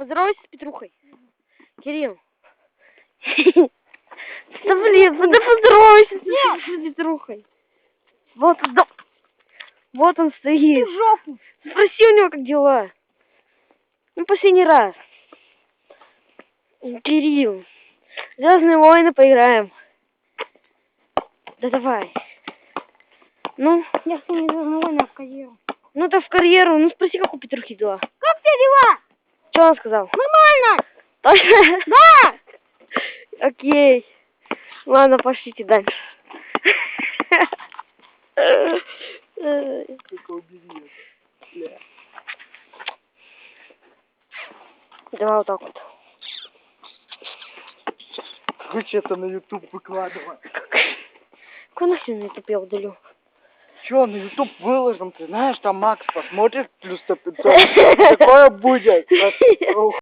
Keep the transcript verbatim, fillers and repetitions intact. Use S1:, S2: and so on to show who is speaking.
S1: Поздоровайся с Петрухой. Кирилл. Да блин, да поздоровайся с Петрухой. Вот, да. Вот он стоит.
S2: Жопу.
S1: Спроси у него, как дела. Ну, последний раз. Кирилл. Звездные войны поиграем. Да давай. Ну?
S2: Я с ними Звездные войны в карьеру.
S1: Ну, да в карьеру. Ну, спроси, как у Петрухи дела.
S2: Как у тебя дела?
S1: Что он сказал?
S2: Нормально.
S1: Точно?
S2: Да.
S1: Окей. Ладно, пошлите дальше. Давай вот так вот.
S3: Короче, это на ютуб выкладывай.
S1: Какой нахрен на ютуб я удалю?
S3: Че, на ютуб выложим, ты знаешь, там Макс посмотрит плюс сто пятьсот. Такое будет.